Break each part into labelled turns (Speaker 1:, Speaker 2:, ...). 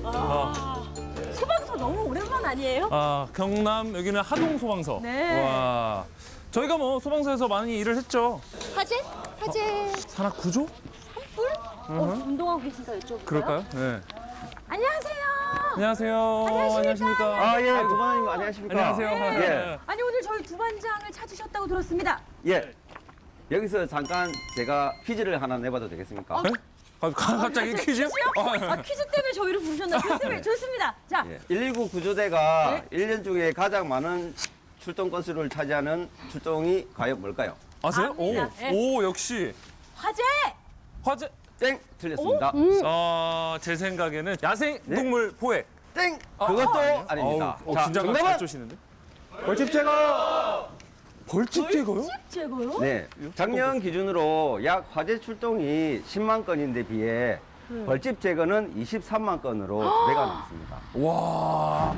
Speaker 1: 소방서 너무 오랜만 아니에요?
Speaker 2: 경남 여기는 하동 소방서.
Speaker 1: 네.
Speaker 2: 와, 저희가 뭐 소방서에서 많이 일을 했죠.
Speaker 1: 화재?
Speaker 2: 산악 구조?
Speaker 1: 뿔? 운동하고 계신가 여쭤볼까요?
Speaker 2: 그럴까요? 네.
Speaker 1: 안녕하세요.
Speaker 2: 안녕하세요. 안녕하십니까?
Speaker 3: 예, 두반장님 안녕하십니까?
Speaker 2: 안녕하세요.
Speaker 3: 예.
Speaker 1: 아니 오늘 저희 두반장을 찾으셨다고 들었습니다.
Speaker 3: 예. 여기서 잠깐 제가 퀴즈를 하나 내봐도 되겠습니까?
Speaker 2: 네? 갑자기 퀴즈요?
Speaker 1: 퀴즈 때문에 저희를 부르셨나요? 좋습니다. 자,
Speaker 3: 예. 119 구조대가 1년 중에 가장 많은 출동 건수를 차지하는 출동이 과연 뭘까요?
Speaker 2: 아세요?
Speaker 1: 압니다. 네.
Speaker 2: 오, 역시.
Speaker 1: 화재!
Speaker 2: 화재.
Speaker 3: 땡! 틀렸습니다.
Speaker 2: 제 생각에는 야생 동물 포획.
Speaker 3: 땡! 그것도 아닙니다.
Speaker 2: 자, 긴장감 잘
Speaker 3: 정답은
Speaker 2: 쪼시는데?
Speaker 3: 벌집 제거!
Speaker 2: 벌집 제거요?
Speaker 1: 집 제거요?
Speaker 3: 네. 작년 기준으로 약 화재 출동이 10만 건인데 비해 벌집 제거는 23만 건으로 2배가 넘습니다.
Speaker 2: 와.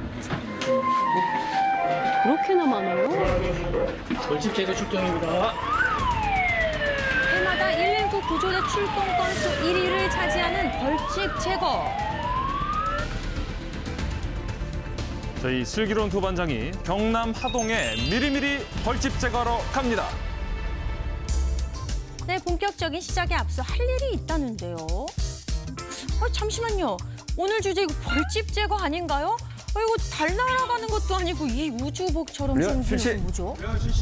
Speaker 1: 그렇게나 많아요?
Speaker 4: 벌집 제거 출동입니다.
Speaker 1: 해마다 119 구조대 출동 건수 1위를 차지하는 벌집 제거.
Speaker 2: 저희 슬기로운 두반장이 경남 하동에 미리미리 벌집 제거하러 갑니다.
Speaker 1: 네, 본격적인 시작에 앞서 할 일이 있다는데요. 잠시만요. 오늘 주제 이거 벌집 제거 아닌가요? 이거 달 날아가는 것도 아니고 이 우주복처럼
Speaker 3: 그래요?
Speaker 1: 생긴
Speaker 3: 실시.
Speaker 1: 게 뭐죠?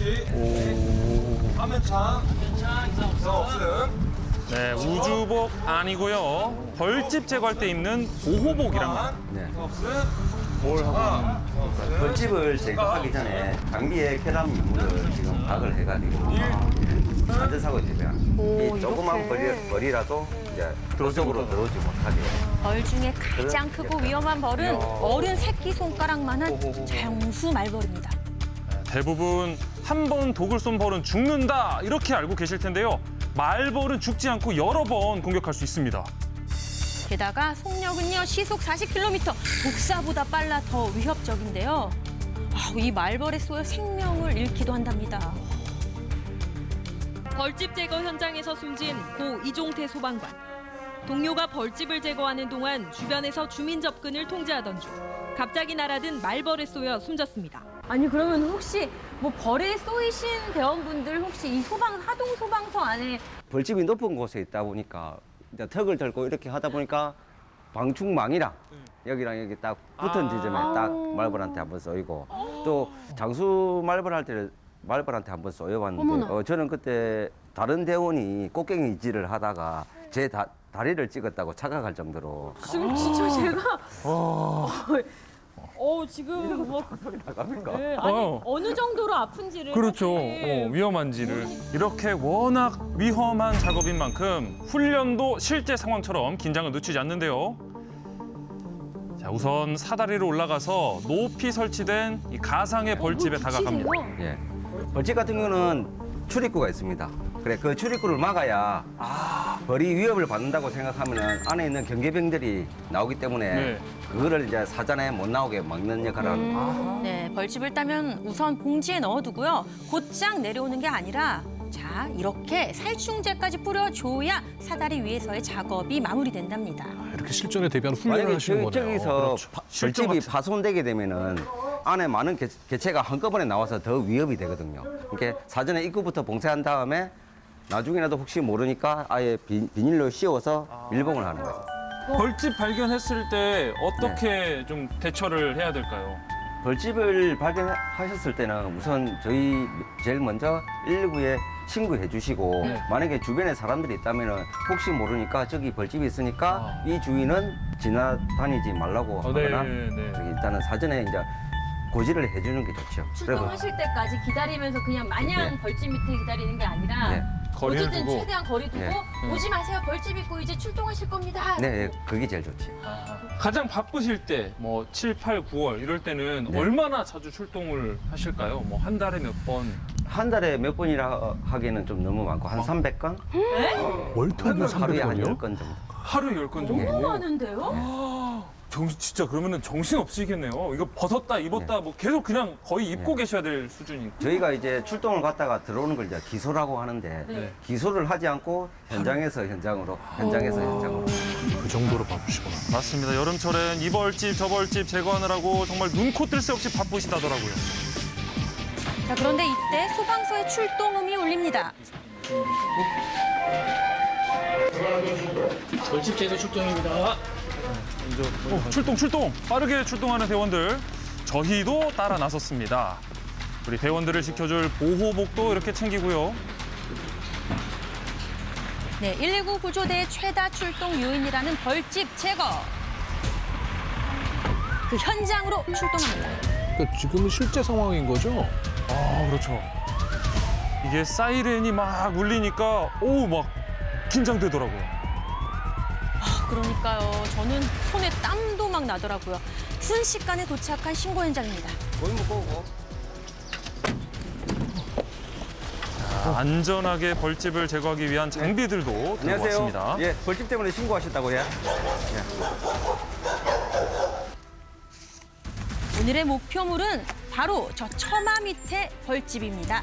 Speaker 2: 네, 우주복 아니고요. 벌집 제거할 때 입는 보호복이랍니다.
Speaker 3: 네.
Speaker 2: 뭘 하고 있는
Speaker 3: 벌집을 제거하기 전에 장비에 쾌람 유물을 지금 박을 해가지고 사전사고 제거하는 이 조그만 벌이라도 이제 그쪽으로 들어오지 못하게.
Speaker 1: 벌 중에 가장 크고 위험한 벌은 어른 새끼 손가락만한 장수 말벌입니다.
Speaker 2: 대부분 한 번 독을 쏜 벌은 죽는다 이렇게 알고 계실 텐데요. 말벌은 죽지 않고 여러 번 공격할 수 있습니다.
Speaker 1: 게다가 속력은요 시속 40km, 독사보다 빨라 더 위협적인데요. 이 말벌에 쏘여 생명을 잃기도 한답니다.
Speaker 5: 벌집 제거 현장에서 숨진 고 이종태 소방관. 동료가 벌집을 제거하는 동안 주변에서 주민 접근을 통제하던 중 갑자기 날아든 말벌에 쏘여 숨졌습니다.
Speaker 1: 아니 그러면 혹시 뭐 벌에 쏘이신 대원분들 혹시 이 하동 소방서 안에
Speaker 3: 벌집이 높은 곳에 있다 보니까 이제 턱을 들고 이렇게 하다 보니까 방충망이랑 여기랑 여기 딱 붙은 지점에 딱 말벌한테 한번 쏘이고 또 장수 말벌 할 때는 말벌한테 한번 쏘여봤는데 저는 그때 다른 대원이 꽃갱이질을 하다가 제 다리를 찍었다고 착각할 정도로
Speaker 1: 지금 진짜 제가 지금 뭐
Speaker 3: 나갑니까?
Speaker 1: 네, 아니
Speaker 2: 어.
Speaker 1: 어느 정도로 아픈지를
Speaker 2: 그렇죠.
Speaker 1: 사실
Speaker 2: 위험한지를. 이렇게 워낙 위험한 작업인 만큼 훈련도 실제 상황처럼 긴장을 늦추지 않는데요. 자, 우선 사다리로 올라가서 높이 설치된 이 가상의 벌집에 다가갑니다.
Speaker 3: 예. 벌집 같은 경우는 출입구가 있습니다. 그래, 그 출입구를 막아야 벌이 위협을 받는다고 생각하면 안에 있는 경계병들이 나오기 때문에
Speaker 2: 네.
Speaker 3: 그거를 이제 사전에 못 나오게 막는 역할을 합니다.
Speaker 1: 네, 벌집을 따면 우선 봉지에 넣어두고요. 곧장 내려오는 게 아니라 자 이렇게 살충제까지 뿌려줘야 사다리 위에서의 작업이 마무리된답니다.
Speaker 4: 이렇게 실전에 대비한 훈련을
Speaker 3: 만약에
Speaker 4: 하시는 거네요.
Speaker 3: 저기서
Speaker 2: 그렇죠. 실전
Speaker 3: 벌집이
Speaker 2: 같은.
Speaker 3: 파손되게 되면은 안에 많은 개체가 한꺼번에 나와서 더 위협이 되거든요. 그러니까 사전에 입구부터 봉쇄한 다음에 나중에라도 혹시 모르니까 아예 비닐로 씌워서 밀봉을 하는 거죠.
Speaker 2: 벌집 발견했을 때 어떻게 좀 대처를 해야 될까요?
Speaker 3: 벌집을 발견하셨을 때는 우선 저희 제일 먼저 119에 신고해 주시고 만약에 주변에 사람들이 있다면 혹시 모르니까 저기 벌집이 있으니까 이 주인은 지나다니지 말라고 하거나 저기 일단은 사전에 이제 고지를 해주는 게 좋죠.
Speaker 1: 출동하실 때까지 기다리면서 그냥 마냥
Speaker 3: 네.
Speaker 1: 벌집 밑에 기다리는 게 아니라
Speaker 3: 네.
Speaker 2: 거리를
Speaker 1: 어쨌든
Speaker 2: 두고.
Speaker 1: 최대한 거리 두고
Speaker 3: 네.
Speaker 1: 오지 마세요. 벌집 있고 이제 출동하실 겁니다.
Speaker 3: 네, 그게 제일 좋지.
Speaker 2: 가장 바쁘실 때, 뭐 7, 8, 9월 이럴 때는
Speaker 3: 네.
Speaker 2: 얼마나 자주 출동을 하실까요? 뭐 한 달에 몇 번?
Speaker 3: 한 달에 몇 번이라 하기에는 좀 너무 많고 한 300건?
Speaker 4: 월터뷰
Speaker 3: 하루에 한
Speaker 4: 300건이요?
Speaker 3: 10건 정도.
Speaker 2: 하루에 10건 정도?
Speaker 1: 너무 많은데요?
Speaker 2: 진짜 그러면은 정신 없으시겠네요. 이거 벗었다 입었다 뭐 계속 그냥 거의 입고 계셔야 될 수준이고.
Speaker 3: 저희가 이제 출동을 갔다가 들어오는 걸 이제 기소라고 하는데
Speaker 2: 네.
Speaker 3: 기소를 하지 않고 현장에서 현장으로, 현장에서 현장으로.
Speaker 4: 그 정도로 바쁘시구나.
Speaker 2: 맞습니다. 여름철엔 이 벌집 저 벌집 제거하느라고 정말 눈코 뜰 새 없이 바쁘시다더라고요.
Speaker 1: 자, 그런데 이때 소방서의 출동음이 울립니다.
Speaker 4: 벌집 제거 출동입니다.
Speaker 2: 출동! 빠르게 출동하는 대원들. 저희도 따라 나섰습니다. 우리 대원들을 지켜줄 보호복도 이렇게 챙기고요.
Speaker 1: 네, 119 구조대의 최다 출동 요인이라는 벌집 제거. 그 현장으로 출동합니다.
Speaker 4: 그러니까 지금은 실제 상황인 거죠?
Speaker 2: 아, 그렇죠. 이게 사이렌이 막 울리니까 막 긴장되더라고요.
Speaker 1: 그러니까요. 저는 손에 땀도 막 나더라고요. 순식간에 도착한 신고 현장입니다.
Speaker 3: 보이면 보고.
Speaker 2: 안전하게 벌집을 제거하기 위한 장비들도 들고 왔습니다.
Speaker 3: 예, 벌집 때문에 신고하셨다고요?
Speaker 1: 오늘의 목표물은 바로 저 처마 밑에 벌집입니다.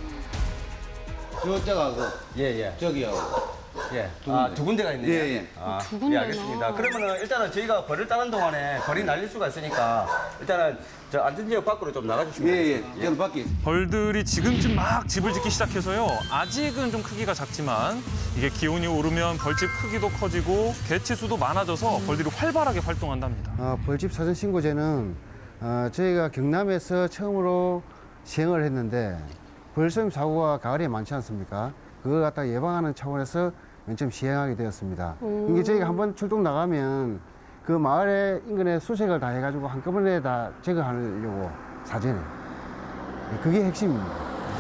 Speaker 6: 저자가
Speaker 3: 예.
Speaker 6: 저기요.
Speaker 3: 예. 두 군데가 있네요.
Speaker 6: 예.
Speaker 1: 두 군데나.
Speaker 3: 예, 알겠습니다. 그러면은 일단은 저희가 벌을 따는 동안에 벌이 날릴 수가 있으니까 일단은 저 안전지역 밖으로 좀 나가주시면 되겠습니다.
Speaker 6: 여기 밖에.
Speaker 2: 벌들이 지금쯤 막 집을 짓기 시작해서요. 아직은 좀 크기가 작지만 이게 기온이 오르면 벌집 크기도 커지고 개체 수도 많아져서 벌들이 활발하게 활동한답니다.
Speaker 7: 벌집 사전 신고제는 저희가 경남에서 처음으로 시행을 했는데 벌쏘임 사고가 가을에 많지 않습니까? 그걸 갖다 예방하는 차원에서 맨 처음 시행하게 되었습니다. 이게 저희가 한번 출동 나가면 그 마을의 인근에 수색을 다 해가지고 한꺼번에 다 제거하려고 사전에. 그게 핵심입니다.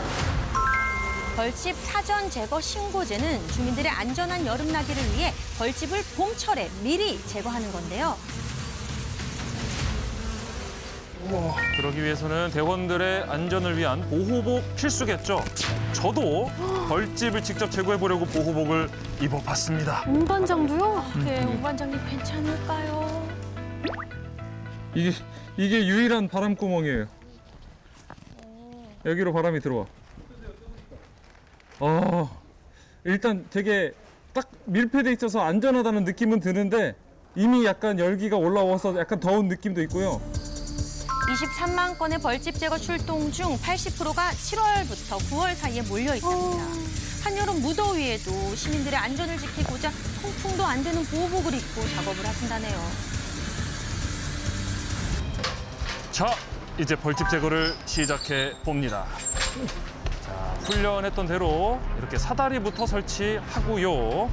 Speaker 1: 벌집 사전 제거 신고제는 주민들의 안전한 여름나기를 위해 벌집을 봄철에 미리 제거하는 건데요.
Speaker 2: 그러기 위해서는 대원들의 안전을 위한 보호복 필수겠죠. 저도 벌집을 직접 제거해 보려고 보호복을 입어봤습니다.
Speaker 1: 운반장도요? 네, 운반장님 괜찮을까요?
Speaker 2: 이게 유일한 바람구멍이에요. 여기로 바람이 들어와. 일단 되게 딱 밀폐돼 있어서 안전하다는 느낌은 드는데 이미 약간 열기가 올라와서 약간 더운 느낌도 있고요.
Speaker 1: 23만 건의 벌집 제거 출동 중 80%가 7월부터 9월 사이에 몰려 있답니다. 한여름 무더위에도 시민들의 안전을 지키고자 통풍도 안 되는 보호복을 입고 작업을 하신다네요.
Speaker 2: 자, 이제 벌집 제거를 시작해 봅니다. 자, 훈련했던 대로 이렇게 사다리부터 설치하고요.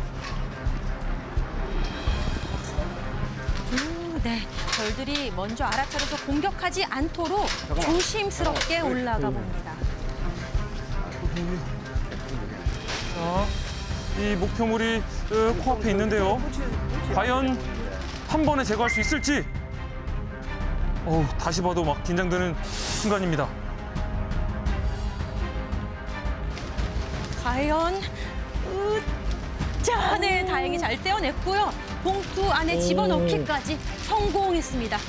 Speaker 1: 네, 벌들이 먼저 알아차려서 공격하지 않도록 조심스럽게 올라가 봅니다.
Speaker 2: 자, 이 목표물이 코앞에 있는데요. 과연 한 번에 제거할 수 있을지. 다시 봐도 막 긴장되는 순간입니다.
Speaker 1: 과연 자, 네, 다행히 잘 떼어냈고요. 봉투 안에 집어넣기까지 성공했습니다.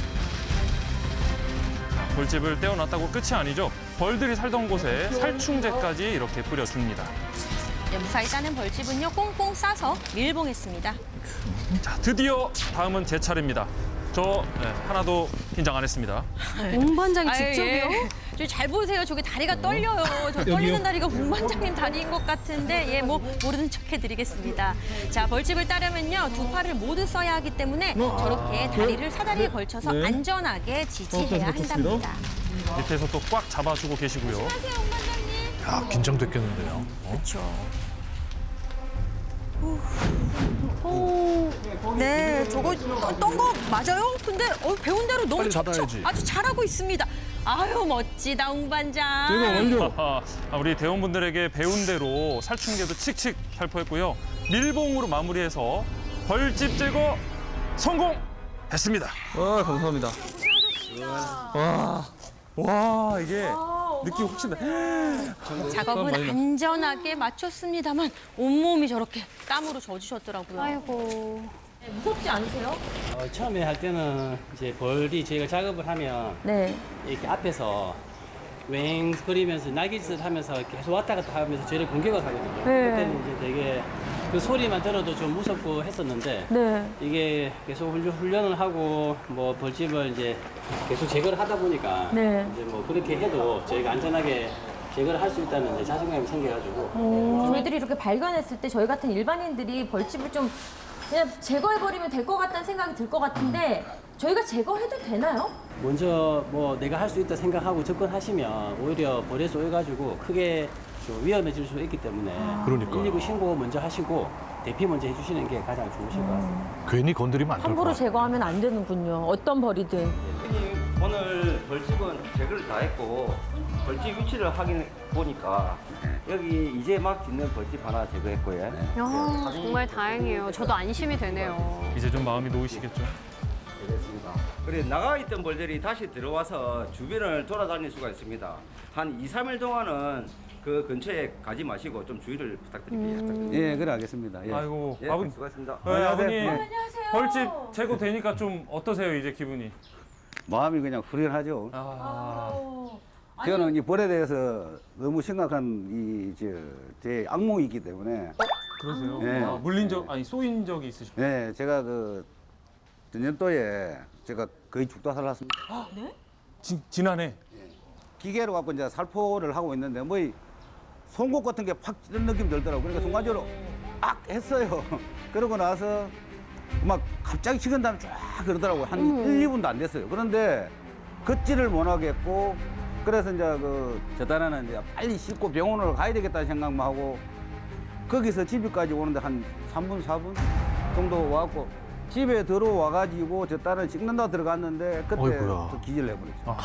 Speaker 2: 벌집을 떼어놨다고 끝이 아니죠. 벌들이 살던 곳에 살충제까지 이렇게 뿌려줍니다.
Speaker 1: 네, 무사히 따낸 벌집은요, 꽁꽁 싸서 밀봉했습니다.
Speaker 2: 자, 드디어 다음은 제 차례입니다. 저 하나도 긴장 안 했습니다.
Speaker 1: 운반장이
Speaker 5: 직접이요?
Speaker 1: 잘 보세요. 저기 다리가 떨려요. 저 떨리는 다리가 운반장님 다리인 것 같은데, 모르는 척 해드리겠습니다. 자, 벌집을 따려면요, 두 팔을 모두 써야 하기 때문에 저렇게 다리를 사다리에 걸쳐서 안전하게 지지해야 한답니다.
Speaker 2: 밑에서 또 꽉 잡아주고 계시고요.
Speaker 1: 안녕하세요, 운반장님.
Speaker 4: 야, 긴장됐겠는데요.
Speaker 1: 그렇죠. 네, 저거 떤 거 맞아요? 근데 배운 대로 너무
Speaker 4: 빨리
Speaker 1: 척척
Speaker 4: 닫아야지.
Speaker 1: 아주 잘하고 있습니다. 아유, 멋지다, 운반장.
Speaker 2: 우리 대원분들에게 배운 대로 살충제도 칙칙 살포했고요. 밀봉으로 마무리해서 벌집 제거 성공했습니다.
Speaker 8: 감사합니다.
Speaker 2: 와, 이게 느낌 훨씬 나.
Speaker 1: 작업은 안전하게 마쳤습니다만 온몸이 저렇게 땀으로 젖으셨더라고요.
Speaker 9: 아이고.
Speaker 1: 무섭지 않으세요?
Speaker 8: 처음에 할 때는 이제 벌이 저희가 작업을 하면
Speaker 1: 네.
Speaker 8: 이렇게 앞에서
Speaker 6: 웽거리면서 날개짓을 하면서 계속 왔다 갔다 하면서 저를 공격을 하거든요.
Speaker 1: 네.
Speaker 6: 그때는 이제 되게 그 소리만 들어도 좀 무섭고 했었는데
Speaker 1: 네.
Speaker 6: 이게 계속 훈련을 하고 뭐 벌집을 이제 계속 제거를 하다 보니까
Speaker 1: 네.
Speaker 6: 이제 뭐 그렇게 해도 저희가 안전하게 제거를 할 수 있다는 이제 자신감이 생겨가지고
Speaker 1: 저희들이 이렇게 발견했을 때 저희 같은 일반인들이 벌집을 좀 그냥 제거해버리면 될 것 같다는 생각이 들 것 같은데 저희가 제거해도 되나요?
Speaker 6: 먼저 뭐 내가 할 수 있다 생각하고 접근하시면 오히려 벌에 쏘여가지고 크게 좀 위험해질 수 있기 때문에
Speaker 4: 그러니까요.
Speaker 6: 119 신고 먼저 하시고 대피 먼저 해주시는 게 가장 좋으실 것 같습니다.
Speaker 4: 괜히 건드리면 안 될 것
Speaker 1: 함부로
Speaker 4: 같아요.
Speaker 1: 제거하면 안 되는군요. 어떤 벌이든.
Speaker 3: 오늘 벌집은 제거를 다 했고 벌집 위치를 확인해 보니까 여기 이제 막 짓는 벌집 하나 제거했고요.
Speaker 8: 정말 다행이에요. 저도 안심이 되네요.
Speaker 2: 이제 좀 마음이 놓이시겠죠?
Speaker 3: 되겠습니다. 그래 나가 있던 벌들이 다시 들어와서 주변을 돌아다닐 수가 있습니다. 한 2, 3일 동안은 그 근처에 가지 마시고 좀 주의를 부탁드립니다. 예, 그래 알겠습니다. 예.
Speaker 2: 아이고,
Speaker 3: 예,
Speaker 2: 아버님.
Speaker 3: 수고하셨습니다.
Speaker 2: 네, 아버님.
Speaker 1: 안녕하세요.
Speaker 2: 벌집 제거되니까 좀 어떠세요, 이제 기분이?
Speaker 3: 마음이 그냥 후련하죠. 저는 이 벌에 대해서 너무 심각한 제 악몽이 있기 때문에
Speaker 2: 그러세요?
Speaker 3: 네.
Speaker 2: 아, 물린 적, 아니, 쏘인 적이 있으시고.
Speaker 3: 네, 제가 그 전년도에 제가 거의 죽다 살았습니다.
Speaker 2: 지난해.
Speaker 3: 기계로 갖고 이제 살포를 하고 있는데 뭐 이 송곳 같은 게 팍 찌는 느낌이 들더라고요. 그러니까 순간적으로 악 했어요. 그러고 나서 막 갑자기 식은 다음에 쫙 그러더라고요. 한 1, 2분도 안 됐어요. 그런데 걷지를 못 하겠고 그래서 이제 저 딴에는 이제 빨리 씻고 병원으로 가야 되겠다는 생각만 하고 거기서 집에까지 오는데 한 3분, 4분 정도 와갖고 집에 들어와가지고 저 딸은 씻는다 들어갔는데 그때
Speaker 4: 어이구야.
Speaker 3: 또 기절을 해버렸죠.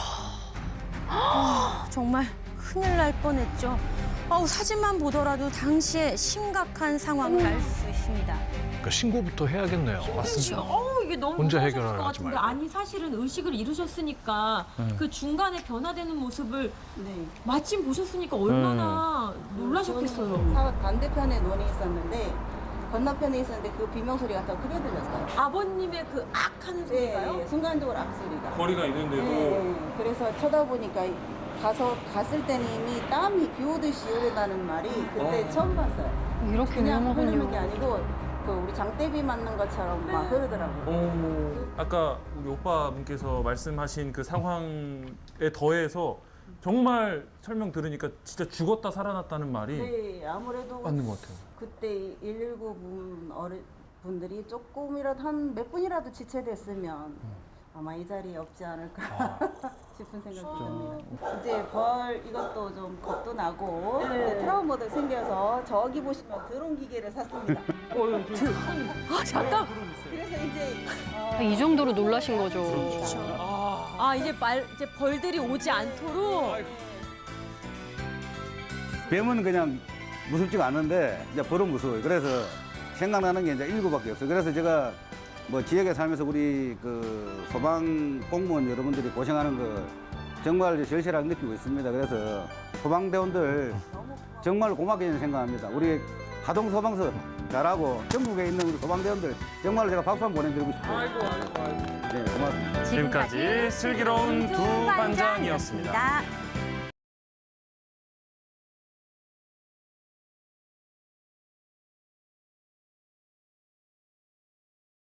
Speaker 1: 정말 큰일 날 뻔했죠. 사진만 보더라도 당시에 심각한 상황을 알 수 있습니다.
Speaker 4: 그러니까 신고부터 해야겠네요.
Speaker 2: 맞습니다.
Speaker 1: 이게 너무
Speaker 4: 혼자
Speaker 1: 무서우셨을
Speaker 4: 해결하지
Speaker 1: 것 같은데
Speaker 4: 말고.
Speaker 1: 아니 사실은 의식을 잃으셨으니까 그 중간에 변화되는 모습을 마침 보셨으니까 얼마나 놀라셨겠어요.
Speaker 9: 반대편에 논이 있었는데 건너편에 있었는데 그 비명 소리가 더 크게 들렸어요.
Speaker 1: 아버님의 그 악하는 소리가요?
Speaker 9: 예, 순간적으로 악소리가.
Speaker 2: 거리가 있는데도.
Speaker 9: 예, 그래서 쳐다보니까 갔을 때는 이미 땀이 비 오듯이 흐르다는 말이 그때 처음 봤어요.
Speaker 8: 이렇게
Speaker 9: 그냥 흐르는 게
Speaker 8: 위험하군요.
Speaker 9: 아니고 그 우리 장대비 맞는 것처럼 막 흐르더라고요.
Speaker 2: 아까 우리 오빠분께서 말씀하신 그 상황에 더해서 정말 설명 들으니까 진짜 죽었다 살아났다는 말이
Speaker 9: 네, 아무래도
Speaker 2: 맞는 것 같아요.
Speaker 9: 그때 119 분들이 조금이라도 한 몇 분이라도 지체됐으면 아마 이 자리에 없지 않을까 싶은 생각이 듭니다. 이제 벌 이것도 좀 겁도 나고 이제 트라우마도 생겨서 저기 보시면 드론 기계를 샀습니다.
Speaker 1: 잠깐.
Speaker 9: 그래서 이제
Speaker 8: 이 정도로 놀라신 거죠.
Speaker 1: 이제 벌들이 오지 않도록.
Speaker 3: 뱀은 그냥 무섭지가 않은데 이제 벌은 무서워요. 그래서 생각나는 게 이제 119밖에 없어요. 그래서 제가 뭐 지역에 살면서 우리 그 소방 공무원 여러분들이 고생하는 거 정말 절실하게 느끼고 있습니다. 그래서 소방대원들 정말 고맙게 생각합니다. 우리 하동 소방서 잘하고 전국에 있는 우리 소방대원들 정말 제가 박수 한번 보내드리고 싶어요. 네, 고맙습니다.
Speaker 2: 지금까지 슬기로운 두 반장이었습니다.